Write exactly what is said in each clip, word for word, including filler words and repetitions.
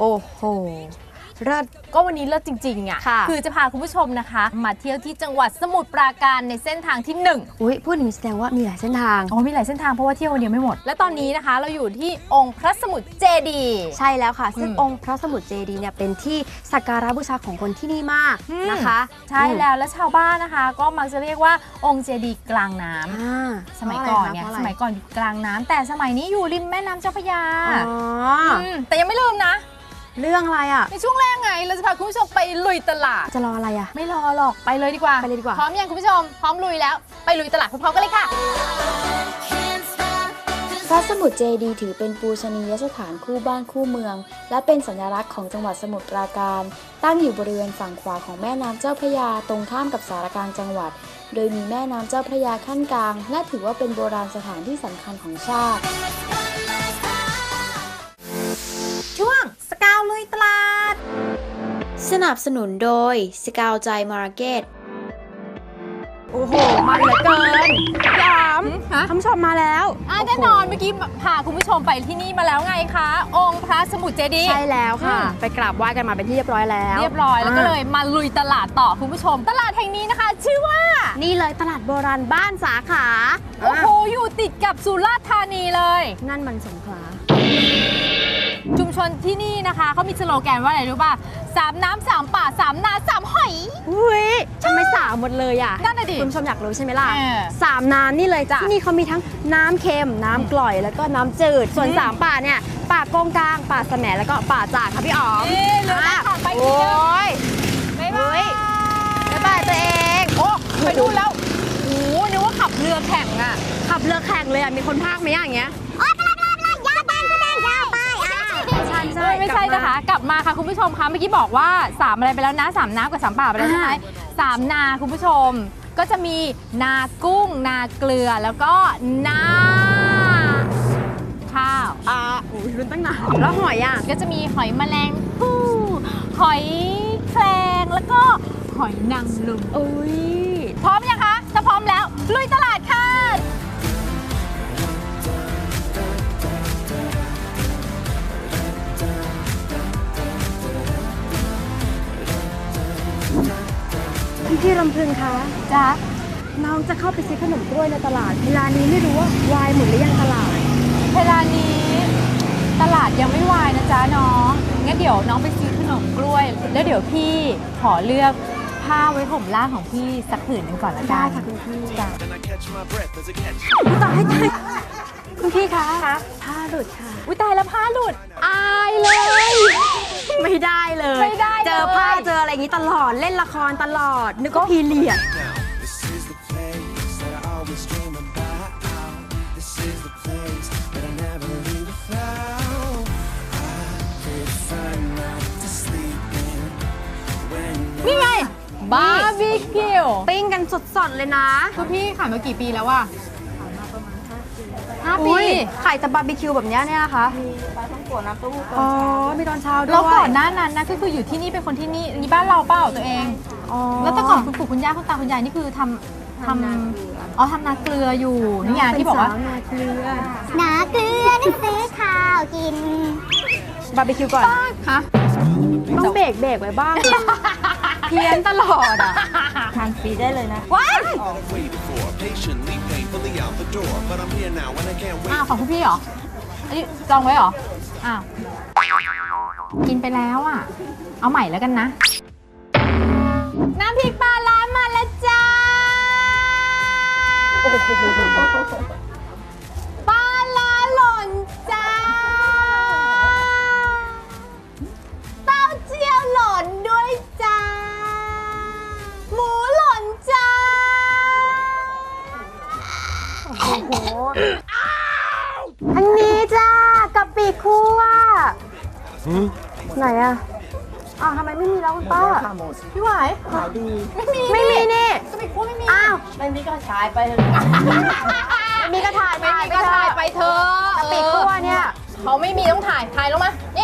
โอ้โหเลิศก็วันนี้เลิศจริงๆอ่ะ คือจะพาคุณผู้ชมนะคะมาเที่ยวที่จังหวัดสมุทรปราการในเส้นทางที่หนึ่งอุ้ยพูดอย่างนี้แสดงว่ามีหลายเส้นทางอ๋อมีหลายเส้นทางเพราะว่าเที่ยววันเดียวไม่หมดและตอนนี้นะคะเราอยู่ที่องค์พระสมุทรเจดีย์ใช่แล้วค่ะซึ่งองค์พระสมุทรเจดีย์เนี่ยเป็นที่สักการะบูชาของคนที่นี่มากนะคะใช่แล้วและชาวบ้านนะคะก็มักจะเรียกว่าองค์เจดีย์กลางน้ำสมัยก่อนเนี่ยสมัยก่อนอยู่กลางน้ำแต่สมัยนี้อยู่ริมแม่น้ำเจ้าพระยาแต่ยังไม่ลืมนะเรื่องอะไรอ่ะในช่วงแรกไงเราจะพาคุณผู้ชมไปลุยตลาดจะรออะไรอ่ะไม่รอหรอกไปเลยดีกว่าไปเลยดีกว่าพร้อมยังคุณผู้ชมพร้อมลุยแล้วไปลุยตลาดพร้อมๆกันเลยค่ะพระสมุทรเจดีย์ถือเป็นปูชนียสถานคู่บ้านคู่เมืองและเป็นสัญลักษณ์ของจังหวัดสมุทรปราการตั้งอยู่บริเวณฝั่งขวาของแม่น้ำเจ้าพระยาตรงข้ามกับสารกลางจังหวัดโดยมีแม่น้ำเจ้าพระยาขั้นกลางและถือว่าเป็นโบราณสถานที่สำคัญของชาติช่วงสกาวลุยตลาดสนับสนุนโดยสกาวใจมาร์เก็ตโอ้โหมันเหลือเกินยามท่านผู้ชมมาแล้วแน่นอนเมื่อกี้พาคุณผู้ชมไปที่นี่มาแล้วไงคะองค์พระสมุทรเจดีย์ใช่แล้วค่ะไปกราบไหว้กันมาเป็นที่เรียบร้อยแล้วเรียบร้อยแล้วก็เลยมาลุยตลาดต่อคุณผู้ชมตลาดแห่งนี้นะคะชื่อว่านี่เลยตลาดโบราณบ้านสาขาโอ้โหอยู่ติดกับสุราษฎร์ธานีเลยนั่นมันสงขลาชุมชนที่นี่นะคะเขามีสโลแกนว่าอะไรรู้ป่ะสามน้ำสามป่าสามนาสามหอยอุ้ยทำไมสามหมดเลยอ่ะนั่นน่ะดิคุณผู้ชมอยากรู้ใช่ไหมล่ะสามน้ำนี่เลยจ้ะที่นี่เขามีทั้งน้ำเค็มน้ำกร่อยแล้วก็น้ำจืดส่วนสามป่าเนี่ยป่าโกงกลางป่าแสมแล้วก็ป่าจากค่ะพี่อ๋อมโอ้ยบ๊ายบายบ๊ายบายตัวเองโอ้ไปดูแล้วโอ้นึกว่าขับเรือแข่งอ่ะขับเรือแข่งเลยอ่ะมีคนพากไหมอย่างเงี้ยไม่ใช่นะคะกลับมาค่ะคุณผู้ชมคะเมื่อกี้บอกว่าสามอะไรไปแล้วนะสามน้ำกับสามป่าไปแล้วใช่ไหมสามนาคุณผู้ชมก็จะมีนากุ้งนาเกลือแล้วก็นาข้าวอ่าโอ้ยรุ่นตั้งนานแล้วหอยอ่ะก็จะมีหอยแมลงภู่หอยแครงแล้วก็หอยนางรมอุ้ยพร้อมยังคะถ้าพร้อมแล้วลุยตลาดค่ะพี่ลำพึงคะจ๊ะน้องจะเข้าไปซื้อขนมกล้วยในตลาดเวลานี้ไม่รู้ว่าวายหมดหรือยังตลาดเวลานี้ตลาดยังไม่วายนะจ๊ะน้องงั้นเดี๋ยวน้องไปซื้อขนมกล้วยแล้วเดี๋ยวพี่ขอเลือกผ้าไว้ผมล่างของพี่สักผืนหนึ่งก่อนละกันค่ะคุณพี่จ้ะตายตายคุณพี่คะผ้าหลุดค่ะอุ้ยตายแล้วผ้าหลุดอายเลยไม่ได้เลยไม่ได้เจอผ้าเจออะไรอย่างนี้ตลอดเล่นละครตลอดนึกว่าพีเรียดนี่ไงบาร์บีคิวปิ้งกันสดๆเลยนะคุณพี่ขายมากี่ปีแล้วอะห้าปีขายแต่บาร์บีคิวแบบนี้เนี่ยนะคะมีปลาท่องโกะน้ำเต้าหู้ตอนอ๋อเช้ามีตอนเช้าด้วยแล้วก่อนหน้านั้นนะก็คืออยู่ที่นี่เป็นคนที่นี่นี่บ้านเราเปล่าตัวเองแล้วแต่ก่อนคุณปู่คุณย่าคุณตาคุณยายนี่คือทำทำอ๋อทำนาเกลืออยู่นี่ไงที่บอกว่านาเกลือนาเกลือนั่นซื้อข้าวกินบาร์บีคิวก่อนฮะต้องเบรกเบรกไว้บ้างเพี้ยนตลอดอ่ะทานฟรีได้เลยนะว้ายอ้าวของคุณพี่เหรออันนี้จองไว้เหรออ้าวกินไปแล้วอ่ะเอาใหม่แล้วกันนะน้ำพริกปลาร้ามาแล้วจ้าปลาร้าหล่นจ้าเต้าเจี้ยวหล่นด้วยจ้าหมูหล่นจ้าโอ้โหอันนี้จ้ากะปิคั่วไหนอะอ้าวทำไมไม่มีแล้วคุณป้าพี่หวายขายดีไม่มีไม่มีนี่กะปิคั่วไม่มีอ้าวไม่มีก็ขายไปเลยไม่มีก็ถ่ายไม่มีก็ถ่ายไปเถอะกะปิคั่วเนี่ยเขาไม่มีต้องถ่ายถ่ายลงมานี่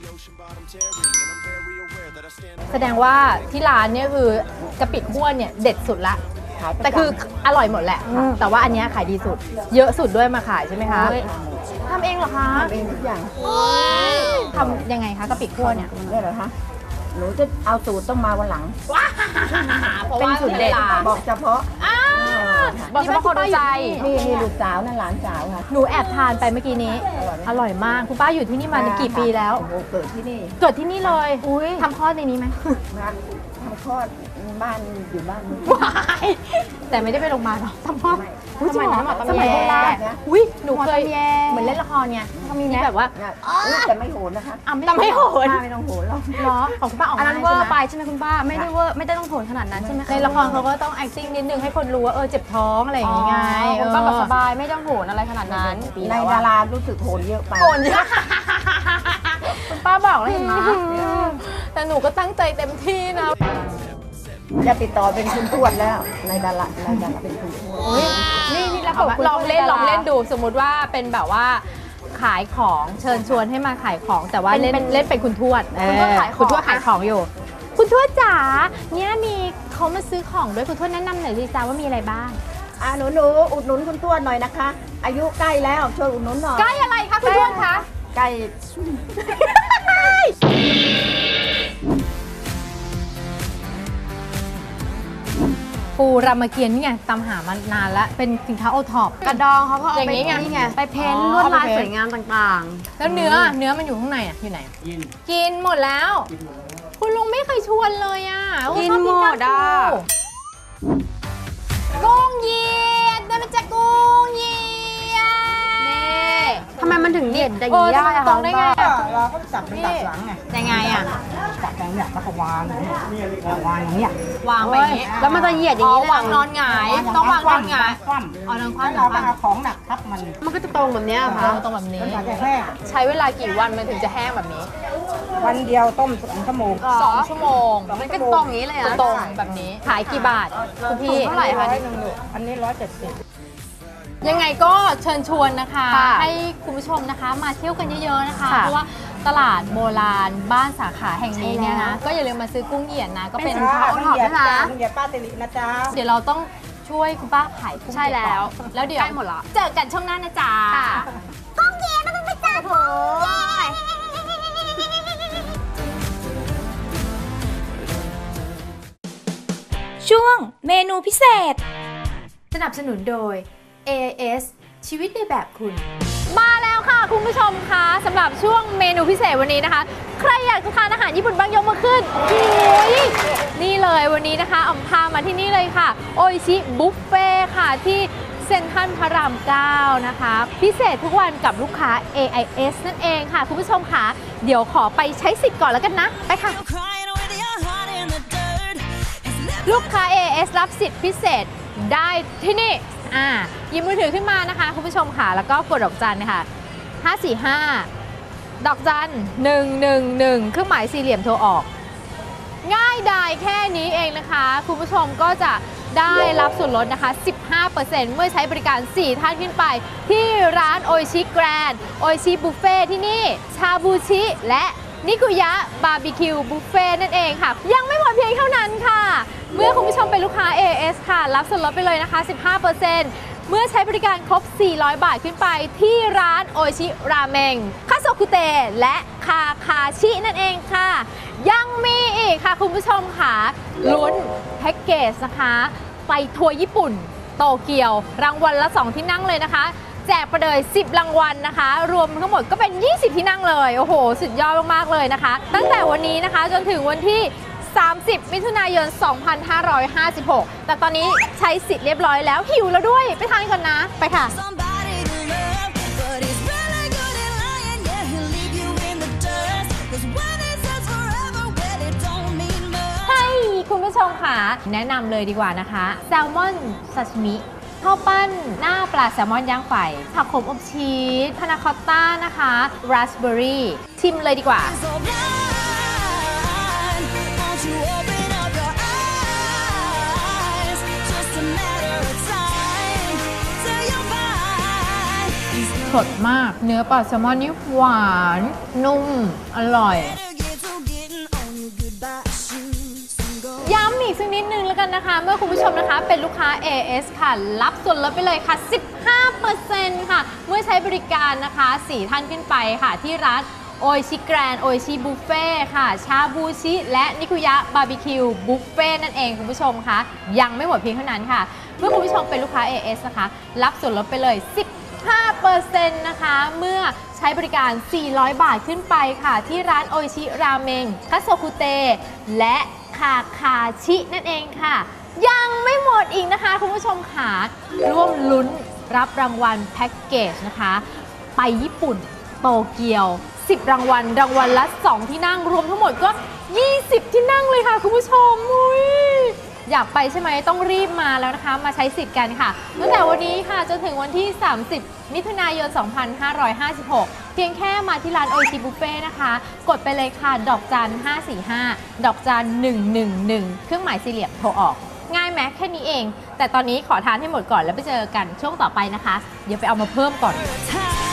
แสดงว่าที่ร้านเนี่ยคือกะปิคั่วเนี่ยเด็ดสุดละแต่คืออร่อยหมดแหละแต่ว่าอันนี้ขายดีสุดเยอะสุดด้วยมาขายใช่ไหมคะใช่ทำเองเหรอคะทำเองทุกอย่างทำยังไงคะกะปิคั่วเนี่ยได้เหรอคะหนูจะเอาสูตรต้องมาวันหลังเป็นสูตรเด็ดบอกเฉพาะบอกเฉพาะคนรู้ใจนี่นี่ลูกสาวนั่นหลานสาวค่ะหนูแอบทานไปเมื่อกี้นี้ อร่อยมากคุณป้าอยู่ที่นี่มากี่ปีแล้วโอ้โหเกิดที่นี่เกิดที่นี่เลยอุ้ยทำคลอดในนี้ไหมนะทำคลอดบ้านอยู่บ้านนี้ว้ายแต่ไม่ได้ไปโรงพยาบาลหรอทำคลอดไม่สมัยนั้นหมอสมัยโบราณนะอุ้ยหนูเคยเหมือนเล่นละครไงก็มีแบบว่านะอุ๊ยแต่ไม่โหนนะคะอ่ะแต่ไม่โหนป้าไม่ต้องโหนหรอกเหรอของคุณป้าออกอันมานั้นเวอใช่ร์ไหไปมใช่ไหมคุณป้า ไม่ได้เวอร์ไม่ได้ต้องโผนขนาดนั้นใช่ไหมคะในละครเขาก็ต้อง acting นิดนึงให้คนรู้ว่าเออเจ็บท้องอะไรอย่างงี้ไงคุณป้าแบบสบายไม่ต้องโผนอะไรขนาดนั้นในดารารู้สึกโหนเยอะไปโหนเยอะคุณป้าบอกแล้วเห็นไหมแต่หนูก็ตั้งใจเต็มที่นะจะติดต่อเป็นคุณทวดแล้วในดาราในดาราเป็นคุณทวดนี่นี่แล้วลองเล่นลองเล่นดูสมมุติว่าเป็นแบบว่าขายของเชิญชวนให้มาขายของแต่ว่าเล่นเล่นเป็นคุณทวดคุณทวดขายของคุณทวดขายของอยู่ คุณทวดจ๋าเนี่ยมีเขามาซื้อของด้วยคุณทวดแนะนำหน่อยสิจ้าว่ามีอะไรบ้างอ่ะหนูหนูอุดหนุนคุณทวดหน่อยนะคะ อายุใกล้แล้วช่วยอุดหนุนหน่อยใกล้อะไรคะคุณทวดคะใกล้ปูรามเกียรตินี่ไงตามหามานานแล้วเป็นสินค้าโอท็อปกระดองเขาก็เอาอย่างไปนี้ไงนี่ไงไปเพ้นท์อ๋อลวดลายเอาไปเพ้นท์สวยงามต่างแล้วเนื้อเนื้อมันอยู่ข้างในอ่ะอยู่ไหนกินกินหมดแล้ว คุณลุงไม่เคยชวนเลยอ่ะๆ กินชอบหมกล้ามดอ่ะปูกุ้งเหยียดได้มาจากกุ้งเหยียดนี่ทำไมมันถึงเด่นอย่างเออนี้จะได้มาอะตรคะงได้ไงอะเราก็จับเป็นตัดหลังไงยังไงอ่ะจับแบบเนี้ยแล้วก็วางอย่างเงี้ยวางอย่างเงี้ยวางไปอย่างนี้แล้วมันจะเหยียดอย่างอ๋อนี้เลยวางนอนหงายต้องวางนอนหงายคว่ำอ๋อนอนคแล้วว่ำนอนคว่เราก็เอาของหนักทับมันมันก็จะตรงแบบเนี้ยเหรอำค่ะตรงแบบนี้จนกว่าจะแห้งใช้เวลากี่วันมันถึงจะแห้งแบบนี้วันเดียวต้มสองชั่วโมงอ๋อสองชั่วโมงมันก็ตรงอย่างนี้เลยอะตรงแบบนี้ขายกี่บาทคุณพี่เท่าไหร่คะร้อยหนึ่งลูกอันนี้ร้อยเจ็ดสิบยังไงก็เชิญชวนนะคะค่ะให้คุณผู้ชมนะคะมาเที่ยวกันเยอะๆนะคะค่ะเพราะว่าตลาดโบราณบ้านสาขาแห่งนี้เนี่ยนะใช่แล้วก็อย่าลืมมาซื้อกุ้งเหยียดนะ ก็เป็นเป็นสินค้า โอท็อปด้วยนะลุงเหยียดป้าติลินะจ๊ะเดี๋ยวเราต้องช่วยคุณป้าขายกุ้งใช่แล้วเหยียดก่อนแล้วเดี๋ยวใกล้หมดละเจอกันช่วงหน้านะจ๊ะค่ะก้องเกียร์มันเป็นจ่าโถช่วงเมนูพิเศษสนับสนุนโดย เอ เอส ชีวิตในแบบคุณ มาแล้วค่ะคุณผู้ชมคะสำหรับช่วงเมนูพิเศษวันนี้นะคะ ใครอยากจะทานอาหารญี่ปุ่นบ้างยกมือขึ้นโอ้ยนี่เลยวันนี้นะคะอำพามาที่นี่เลยค่ะ โออิชิบุฟเฟ่ค่ะที่เซ็นทรัลพระรามเก้านะคะ พิเศษทุกวันกับลูกค้า เอ ไอ เอส นั่นเองค่ะ คุณผู้ชมค่ะเดี๋ยวขอไปใช้สิทธิ์ก่อนแล้วกันนะ ไปค่ะ ลูกค้า เอ เอส รับสิทธิ์พิเศษได้ที่นี่อ่าหยิบมือถือขึ้นมานะคะคุณผู้ชมค่ะแล้วก็กดดอกจันค่ะห้า สี่ ห้า ดอกจันหนึ่ง หนึ่ง หนึ่งเครื่องหมายสี่เหลี่ยมโทรออก ง่ายดายแค่นี้เองนะคะ คุณผู้ชมก็จะได้รับส่วนลดนะคะ สิบห้าเปอร์เซ็นต์ เมื่อใช้บริการ สี่ ท่านขึ้นไป ที่ร้านโออิชิแกรนด์โออิชิบุฟเฟ่ที่นี่ ชาบูชิ และนิกุยะบาร์บีคิวบุฟเฟ่นั่นเองค่ะ ยังไม่หมดเพียงเท่านั้นค่ะ เมื่อคุณผู้ชมเป็นลูกค้า เอ เอส ค่ะ รับส่วนลดไปเลยนะคะ สิบห้าเปอร์เซ็นต์ เมื่อใช้บริการครบ สี่ร้อยบาทขึ้นไปที่ร้านโออิชิราเมงคาโซคุเตะและคาคาชินั่นเองค่ะ ยังมีอีกค่ะคุณผู้ชมค่ะลุ้นแพ็กเกจนะคะไปทัวร์ญี่ปุ่นโตเกียว รางวัลละสองที่นั่งเลยนะคะ แจกไปเลยสิบรางวัลนะคะ รวมทั้งหมดก็เป็นยี่สิบที่นั่งเลยโอ้โหสุดยอดมากๆเลยนะคะ ตั้งแต่วันนี้นะคะจนถึงวันที่สามสิบมิถุนายนสองพันห้าร้อยห้าสิบหกแต่ตอนนี้ใช้สิทธิ์เรียบร้อยแล้วหิวแล้วด้วยไปทานก่อนนะไปค่ะ Somebody to love, but he's really good at lying. Yeah, he'll leave you in the dust. 'Cause when he says forever, well, it don't mean much. ให้คุณผู้ชมค่ะแนะนำเลยดีกว่านะคะแซลมอนซาชิมิข้าวปั้นหน้าปลาแซลมอนย่างไฟผักขมอบชีสพานาคอตต้านะคะราสเบอร์รี่ชิมเลยดีกว่า So blind, won't you open up your eyes? Just a matter of time till you'll find he's สดมากเนื้อปลาแซลมอนนี่หวานนุ่มอร่อย better get to getting on your goodbye shoes and go. ย้ำอีกกสักนิดนึงแล้วกันนะคะ เมื่อคุณผู้ชมนะคะเป็นลูกค้า เอ เอส ค่ะรับส่วนลดไปเลยค่ะ สิบห้าเปอร์เซ็นต์ ค่ะเมื่อใช้บริการนะคะสี่ท่านขึ้นไปค่ะที่ร้านโอชิแกรนโอชิบุฟเฟ่ค่ะชาบูชิและนิคุยะบาร์บีคิวบุฟเฟ่นั่นเองคุณผู้ชมคะยังไม่หมดเพียงเท่านั้นค่ะเมื่อคุณผู้ชมเป็นลูกค้า เอ เอส นะคะรับส่วนลดไปเลย สิบห้าเปอร์เซ็นต์ นะคะเมื่อใช้บริการสี่ร้อยบาทขึ้นไปค่ะที่ร้านโอชิราเมงคัตโซคุเตและคาคาชินั่นเองค่ะยังไม่หมดอีกนะคะคุณผู้ชมค่ะร่วมลุ้นรับรางวัลแพ็กเกจนะคะไปญี่ปุ่นโตเกียวสิบรางวัลรางวัลละสองที่นั่งรวมทั้งหมดก็ยี่สิบที่นั่งเลยค่ะคุณผู้ชมอุ้ยอยากไปใช่ไหมต้องรีบมาแล้วนะคะมาใช้สิทธิ์กันค่ะตั้งแต่วันนี้ค่ะจนถึงวันที่สามสิบมิถุนายนสองพันห้าร้อยห้าสิบหกเพียงแค่มาที่ร้านโอชิบุฟเฟ่นะคะกดไปเลยค่ะดอกจันห้าสี่ห้าดอกจันหนึ่งหนึ่งหนึ่งเครื่องหมายสี่เหลี่ยมโทรออกง่ายไหมแค่นี้เองแต่ตอนนี้ขอทานให้หมดก่อนแล้วไปเจอกันช่วงต่อไปนะคะเดี๋ยวไปเอามาเพิ่มก่อน Time